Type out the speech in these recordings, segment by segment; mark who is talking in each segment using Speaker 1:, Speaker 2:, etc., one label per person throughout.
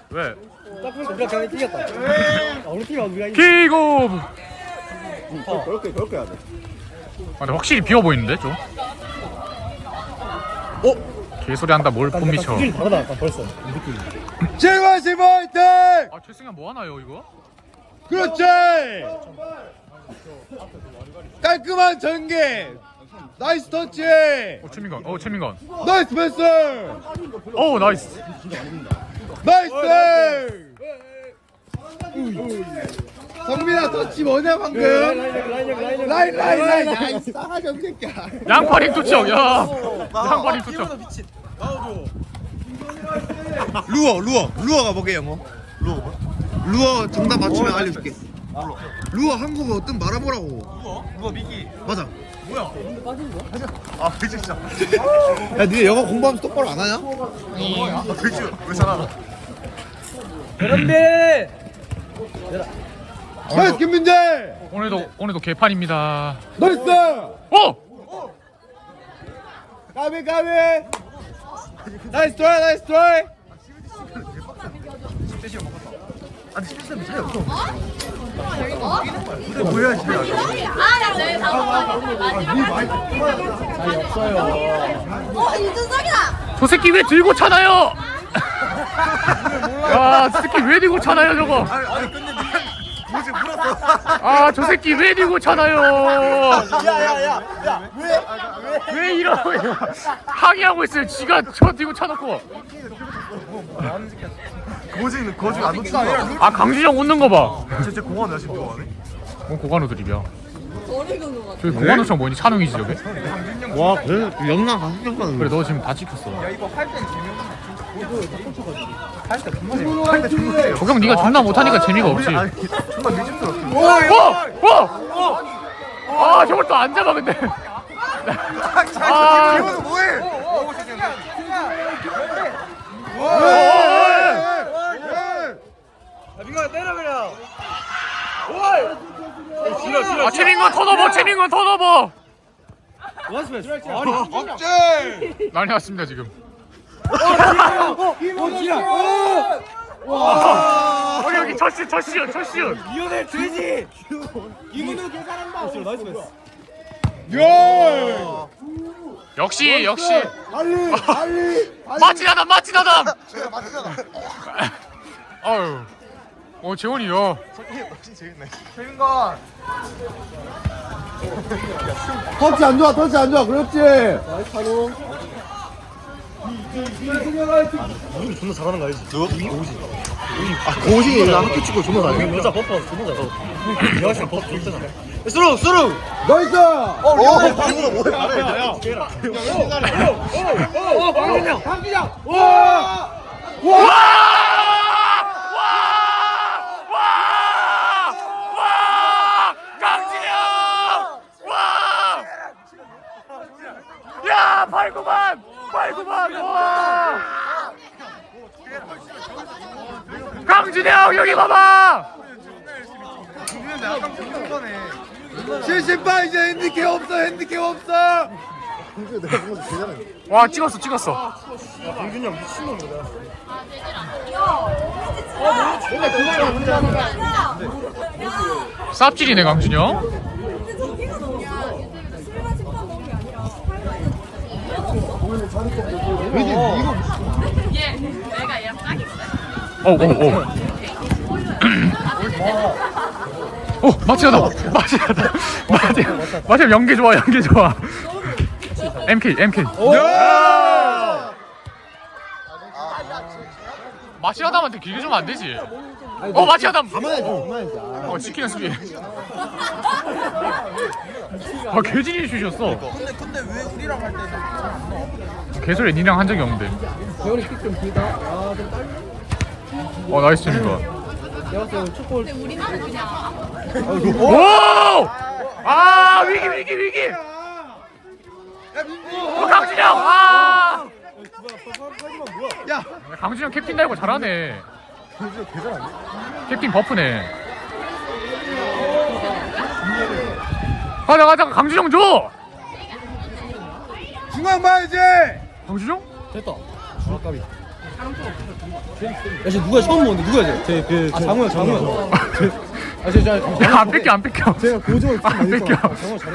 Speaker 1: 왜?
Speaker 2: 딱 보니까 우리가 그냥 이겼다. 우리 팀이 우리가 이겼다.
Speaker 1: 킥오프!
Speaker 3: 그렇게 해야 돼.
Speaker 1: 근데 확실히 비어 보이는데 좀? 개소리 한다 뭘 못 미쳐.
Speaker 2: 수준이 다르다 약간 벌써 이 느낌이.
Speaker 3: 제과시 파이팅!
Speaker 1: 아 최승현 뭐 하나요 이거?
Speaker 3: 그렇지! 깔끔한 전개! 나이스 터치!
Speaker 1: 최민건 최민건
Speaker 3: 나이스 패스!
Speaker 1: 오 나이스.
Speaker 3: 나이스! 성민아 터치 뭐냐 방금? 라인 나이스 싸가지 없는 새끼야.
Speaker 1: 양파링 투척 야 양파링 투척.
Speaker 3: 루어가 뭐게 영어? 루어 정답 맞추면 알려줄게. 루어 한국어 뜻 말아보라고.
Speaker 4: 누가 미기?
Speaker 3: 맞아.
Speaker 4: 뭐야? 아 진짜.
Speaker 3: 야 니네 영어 공부하면서 똑바로 안 하냐?
Speaker 4: 아 그치? 왜 잘하나?
Speaker 2: 그런데
Speaker 3: 나이스 김민재!
Speaker 1: 오늘도 개판입니다.
Speaker 3: 나이스!
Speaker 1: 오!
Speaker 3: 까비 나이스 트라이
Speaker 4: 아니 실수는 차이 없어. 근데 뭐야 집에 가서?
Speaker 5: 이준석이다.
Speaker 1: 저 새끼 왜 들고 차나요? 야저 새끼 왜 들고 차나요 저거?
Speaker 4: 아니 근데 뭐지 물었어.
Speaker 1: 아 저 새끼 왜 들고 차나요? 왜 이러고 항의하고 있어요. 지가 저 들고 차놓고.
Speaker 4: 거지 안 놓친다.
Speaker 1: 아 강준영 웃는 거 봐.
Speaker 4: 진짜 공원 여신 좋아하네.
Speaker 1: 고관우 드립이야. 저기 고관우처럼 뭐니? 찬웅이지 저게?
Speaker 3: 와 그래? 영남 가수평가는
Speaker 1: 그래 너 지금 다 찍혔어. 조경 네가 존나 못하니까 재미가 없지.
Speaker 4: 정말 미집스럽게.
Speaker 1: 아 저걸 또 안 잡아 근데. 아
Speaker 4: 이거는 뭐해?
Speaker 2: 민가 때려 그냥.
Speaker 1: 아 채민건 더 넣어. 채민건 더 넣어.
Speaker 2: 나이스 패스.
Speaker 3: 억제!
Speaker 1: 난리 났습니다 지금. 여기 첫 시연.
Speaker 2: 이혼의 돼지. 이문우 계산한다. 나이스 패스.
Speaker 3: 야!
Speaker 1: 역시
Speaker 3: 빨리!
Speaker 1: 마치나담. 아유. 재원이요.
Speaker 4: 최민건.
Speaker 3: 터치 안 좋아 그렇지!
Speaker 2: 나이스 찬우. 존나 잘하는 거 알지?
Speaker 3: 고우신이 학교 치고 존나 잘해.
Speaker 2: 여자 버퍼 존나 잘해. 여자랑 버퍼 존나 잘해. 수루.
Speaker 3: 나이스!
Speaker 4: 방금 뭐해?
Speaker 2: 강진영.
Speaker 1: 강진영! 야, 8구만! 와! 강진영, 여기 봐봐!
Speaker 3: 70바 이제 핸디캡 없어!
Speaker 1: 와, 찍었어.
Speaker 2: 강준영 미친놈이다.
Speaker 1: 쌉질이네, 강진영.
Speaker 5: 내가 얘랑 짝이거든.
Speaker 1: 마치하다. 마치 연계 좋아. MK. 마치하다한테 길게 주면 안 되지. 마치하다.
Speaker 3: 가만히
Speaker 1: 지키는 수비. 개진이 주셨어.
Speaker 4: 근데 왜 우리랑 할 때는
Speaker 1: 개소리 니랑 한 적이 없는데.
Speaker 2: 재원이 킥좀 길다. 좀 딸.
Speaker 1: 나이스 재민거.
Speaker 2: 내가 봤을 때 축구를
Speaker 5: 우리는 그냥
Speaker 1: 오! 아 위기. 강진영.
Speaker 3: 야!
Speaker 1: 강진영 캡틴 달고 잘하네. 캡틴 버프네. 가자 강진영 줘.
Speaker 3: 중앙 봐야지!
Speaker 1: 강진영?
Speaker 2: 됐다. 주락갑이. 야, 쟤 누가 처음 보는데 누구야 쟤? 장우야.
Speaker 1: 안 뺏겨 안 뺏겨.
Speaker 3: 제가 고정을
Speaker 1: 안 뺏겨.
Speaker 2: 장우 잘해.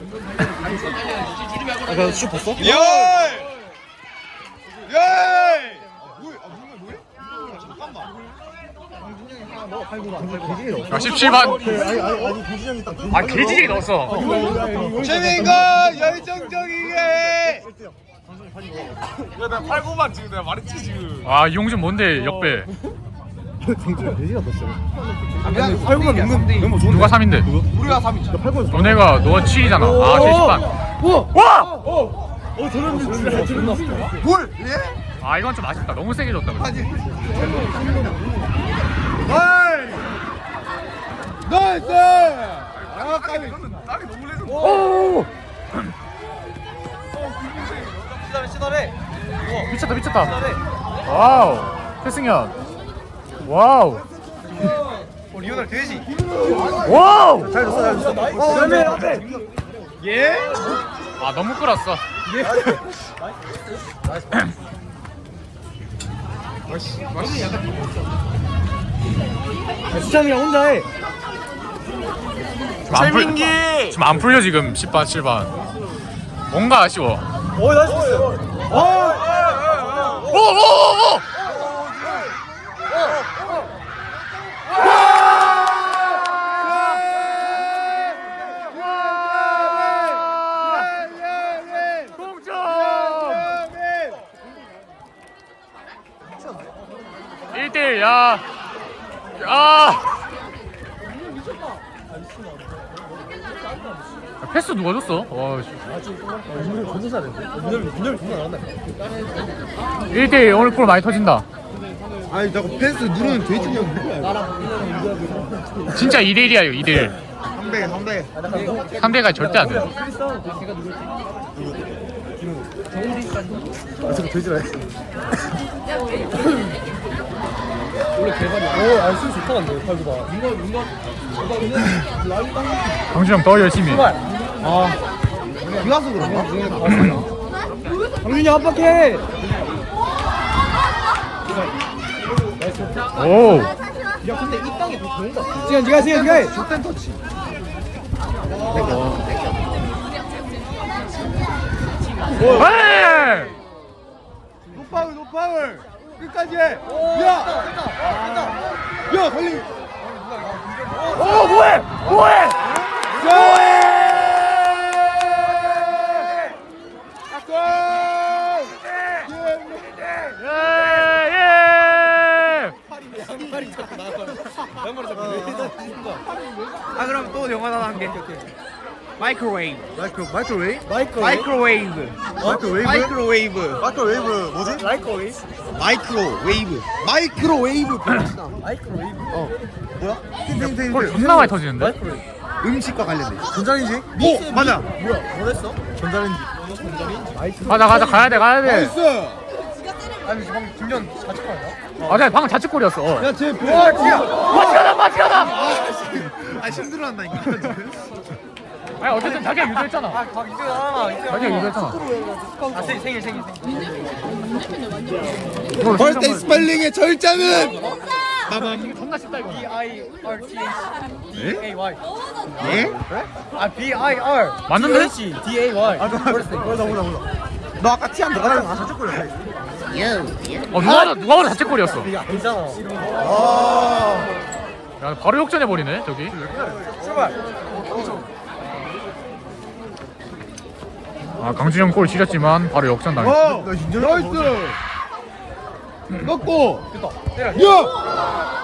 Speaker 2: 나 슛 봤어?
Speaker 4: 예! 예!
Speaker 1: 야 17반.
Speaker 3: 아니 고진영이 딱
Speaker 1: 아 개지게 넣었어.
Speaker 4: 최민건 열정적이게. 야나 8구만 지금 내가 말했지 지금.
Speaker 1: 아 이용준 뭔데 역배.
Speaker 3: 정준영 돼지가 떴어.
Speaker 2: 아니 8구만 너무 좋은데.
Speaker 1: 누가 3인데?
Speaker 4: 우리가 3위죠.
Speaker 3: 8번
Speaker 1: 너네가 너가 7이잖아. 아 70반. 와!
Speaker 3: 저런 진짜 저런 났어.
Speaker 4: 뭘? 예?
Speaker 1: 아 이건 좀 아쉽다. 너무 세게 줬다.
Speaker 4: 아니.
Speaker 3: 나이스!
Speaker 4: 아 까비. 딸이 너무 레전드.
Speaker 1: 오!
Speaker 4: 시달해.
Speaker 1: 미쳤다. 와우. 태승현. 와우.
Speaker 4: 리오넬 돼지.
Speaker 1: 와우.
Speaker 3: 잘 줬어. 앞에.
Speaker 4: 예?
Speaker 1: 아 너무 끌었어.
Speaker 2: 수찬이가 혼자 해.
Speaker 4: 최민기.
Speaker 1: 지금 안 풀려 지금 10반 7반. 뭔가 아쉬워.
Speaker 2: 오 나이스 패스.
Speaker 1: 오오오오. 동점. 1대1 야. 패스 누가 줬어? 와, 씨.
Speaker 2: 문열 존나 잘했네. 문열 존나 잘한다.
Speaker 1: 1대1 오늘 골 많이 터진다.
Speaker 3: 아니 나 펜스 누르는 돼지가 누구야?
Speaker 1: 진짜 2대1이야 이거 2대1.
Speaker 4: 3대.
Speaker 1: 3대가 절대 안 돼.
Speaker 3: 저거 돼지라 해.
Speaker 2: 원래 개발이야. 오, 알수 좋다 근데 8구가.
Speaker 1: 강준영 더 열심히.
Speaker 3: 비 와서 그런가?
Speaker 2: 강준이 압박해.
Speaker 1: 오.
Speaker 2: 야 근데 이 땅에 더 좋은가? 지금 네가 해.
Speaker 3: 족된 터치.
Speaker 1: 에이!
Speaker 3: 노파울 끝까지 해. 야 걸리.
Speaker 1: 오 뭐해? 예!
Speaker 4: 아 그럼 또 영화 하나 한 개. 마이크로웨이브.
Speaker 3: 마이크로웨이브?
Speaker 4: 마이크로웨이브.
Speaker 3: 마이크로웨이브?
Speaker 4: 마이크로웨이브 뭐지? 마이크로웨이브.
Speaker 3: 뭐야?
Speaker 1: 골 존나 많이 터지는데?
Speaker 3: 음식과 관련돼.
Speaker 4: 전자레인지? 오 맞아.
Speaker 2: 뭐랬어?
Speaker 1: 가자 가야 돼.
Speaker 3: 나이스.
Speaker 2: 아니 방금 김현 자책거 아니야?
Speaker 1: 아, 방금 자책골이었어.
Speaker 3: 야쟤
Speaker 1: 마티아다.
Speaker 4: 아 힘들어한다니까.
Speaker 1: 아니 어쨌든 자기가 유도했잖아.
Speaker 2: 박 이제잖아.
Speaker 1: 자기가 유도했잖아.
Speaker 2: 아 생일.
Speaker 3: 벌떼 스펠링의 절자는
Speaker 1: 존나 쉽다 이거.
Speaker 2: B-I-R-T-H-D-A-Y.
Speaker 3: 예?
Speaker 2: 아 B-I-R.
Speaker 1: 맞는데?
Speaker 2: D-A-Y.
Speaker 3: 몰라. 너 아까 티 안 들어갔잖아.
Speaker 1: 누가 봐도 자책골이었어.
Speaker 2: 이게 아니잖아.
Speaker 1: 야 바로 역전해 버리네 저기.
Speaker 2: 출발.
Speaker 1: 아 강준영 골 지렸지만 바로 역전 당했어.
Speaker 3: 나이스. 넣고.
Speaker 2: 됐다.
Speaker 3: 야.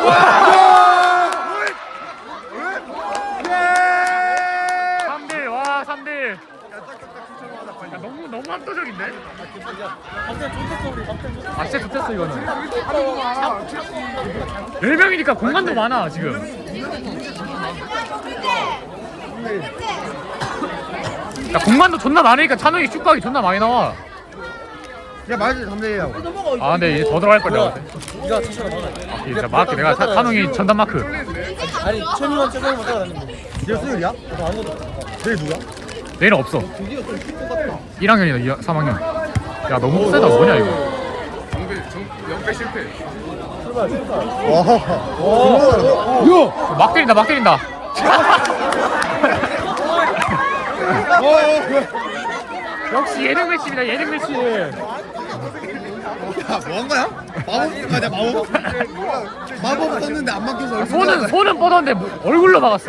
Speaker 3: 야.
Speaker 1: 3대 와 3대. 야, 너무 압도적인데? 아 진짜 좋겠어 이거는. 10명이니까 공간도 많아 지금. 야 공간도 존나 많으니까 찬웅이 슛각이 존나 많이 나와.
Speaker 3: 야 맞지 3대1하고.
Speaker 1: 아 근데 이제 더 들어갈 걸 내가.
Speaker 2: 네가 진짜로 막아.
Speaker 1: 진짜 마크 내가 찬웅이 전담 마크.
Speaker 2: 아니 천이만 최선을 못 따라다니는
Speaker 3: 얘 수율이야?
Speaker 2: 거. 아무것도.
Speaker 3: 얘 누구야?
Speaker 1: 내일은 없어. 1학년이다 3학년. 야 너무 세다 뭐냐 이거. 막 때린다 막 때린다. 역시 예능 매치입니다 예능 매치.
Speaker 3: 야, 뭐한 거야? 마법 아니야 마법? 마법 썼는데 안 막혀서
Speaker 1: 손은 뻗었는데 얼굴로 막았어.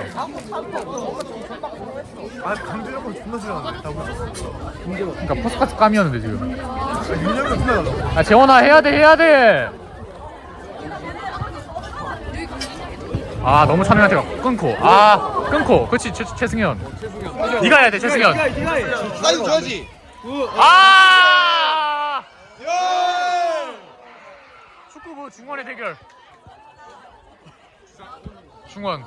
Speaker 2: 아 강준혁은 존나 싫어하는데.
Speaker 1: 그러니까 포스카트 감이었는데 지금.
Speaker 2: 윤혁이가 존나 달라.
Speaker 1: 아 재원아 해야 돼. 아 너무 찬우한테 끊고. 끊고. 그렇지 최승현. 네가 해야 돼 최승현.
Speaker 3: 사이드 줘야지.
Speaker 1: 축구부 중원의 대결. 중원.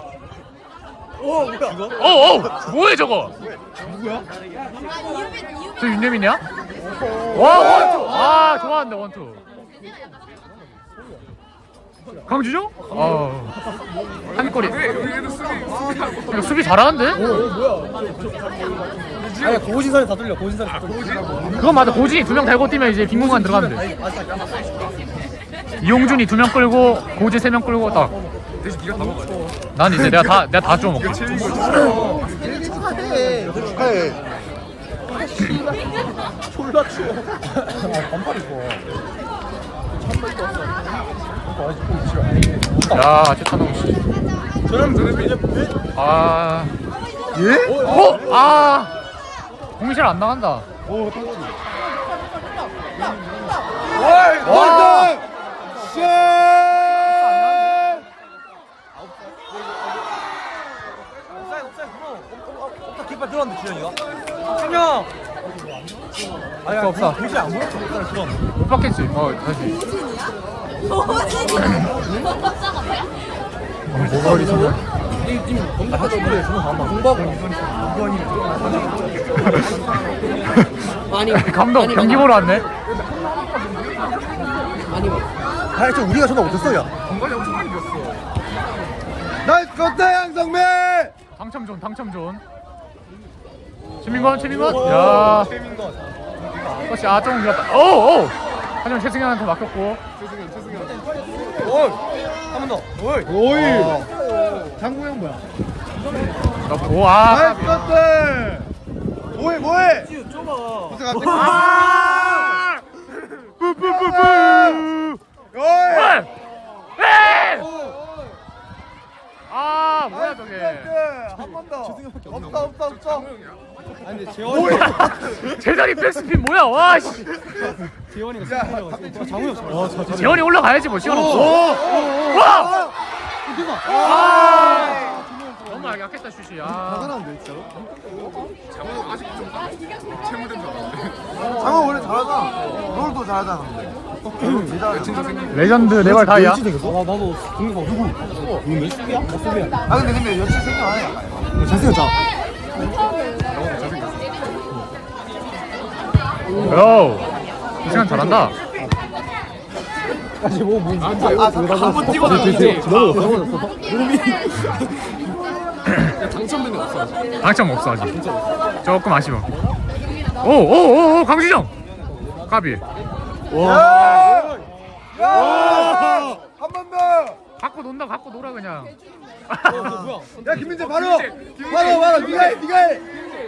Speaker 1: 뭐해 저거?
Speaker 3: 누구야?
Speaker 1: 저 윤여민이야? 와 원투. 좋아한다 원투. 강주정? 한 골이. 이거 수비 잘하는데?
Speaker 2: 아니 고진선이 다 돌려. 고진선이 다 돌려.
Speaker 1: 그건 맞아. 고진이 2명 달고 뛰면 이제 빈 공간 들어가면 돼. 이용준이 2명 끌고 고진 3명 끌고 딱. 대신 네가 다 먹어야 돼. 난 이제 내가 다 줘 먹어.
Speaker 3: 축하해. 졸라 추워.
Speaker 2: 반팔 입고.
Speaker 1: 야 최찬홍 씨.
Speaker 2: 저런 드립이
Speaker 3: 예?
Speaker 1: 공이 잘 안 나간다.
Speaker 3: 와! 쉣!
Speaker 2: 깃발 들어왔는데 주현이가? 한명
Speaker 1: 없어.
Speaker 2: 굳이 안 보였어. 깃발 들어왔는데.
Speaker 1: 못 받겠지. 다시. 모가리 정말. 감독 경기 보러 왔네.
Speaker 3: 아니 저 우리가 전화 못했어 야. 나이스 컷다 양성민.
Speaker 1: 당첨존. 최민건. 야. 그렇지. 조금 길었다. 오. 하지만 최승현한테 맡겼고.
Speaker 2: 한 번 더.
Speaker 3: 오이. 장구형 뭐야?
Speaker 1: 넣고.
Speaker 3: 나이스 컷다. 뭐해?
Speaker 2: 좁아.
Speaker 3: 뿌뿌뿌뿌. 오이.
Speaker 1: 뭐야 저게.
Speaker 3: 한 번 더. 없다.
Speaker 2: 아니 근데 재원이
Speaker 1: 제자리 백스핀 뭐야? 와 씨.
Speaker 2: 재원이가 진짜 장우혁 잘.
Speaker 1: 재원이 올라가야지 뭐 시간 없어. 와! 너무 약했다 슛이.
Speaker 3: 나가는데 진짜로? 장어 원래 잘하잖아. 롤도 잘하잖아.
Speaker 1: 레전드 네발 다이야.
Speaker 2: 나도 공격 누구? 누구 수비야? 수비야.
Speaker 3: 근데 여친 생각 안 해.
Speaker 2: 잘생겼잖아.
Speaker 1: 오. 이 시간 잘한다.
Speaker 2: 아니 뭐
Speaker 3: 한번 찍어놨는데.
Speaker 1: 당첨 없어 아직. 조금 아쉬워. 오 강주정. 까비.
Speaker 3: 한 번 더.
Speaker 1: 갖고 놀아 그냥.
Speaker 3: 야 김민재 바로. 네가 해.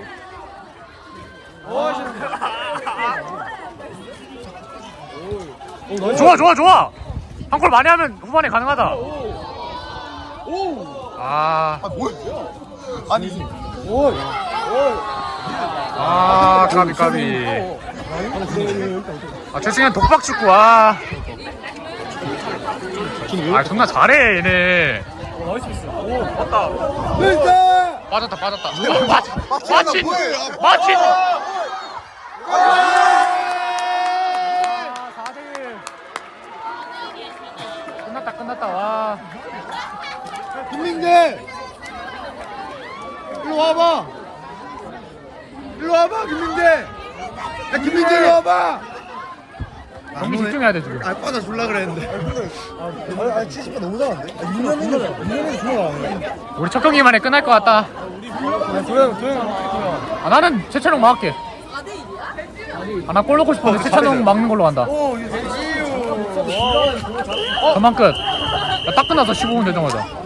Speaker 1: 좋아. 한 골 많이 하면 후반에 가능하다. 까비. 최승현 독박 축구. 존나 잘해 얘네. 빠졌다. 마친. 끝났다. 와.
Speaker 3: 김민재. 일로 와봐 김민재. 야 김민재 일로 와봐.
Speaker 1: 경기 집중해야 돼 지금.
Speaker 3: 빠져 줄라 그랬는데. 70분 너무 잘한데? 윤현이 좋아.
Speaker 1: 우리 첫 경기만에 끝날 것 같다. 나는 최찬홍 막을게. 나 골 넣고 싶었는데 최찬홍 막는 걸로 간다. 그만 끝. 야, 딱 끝나서 15분 되자마자.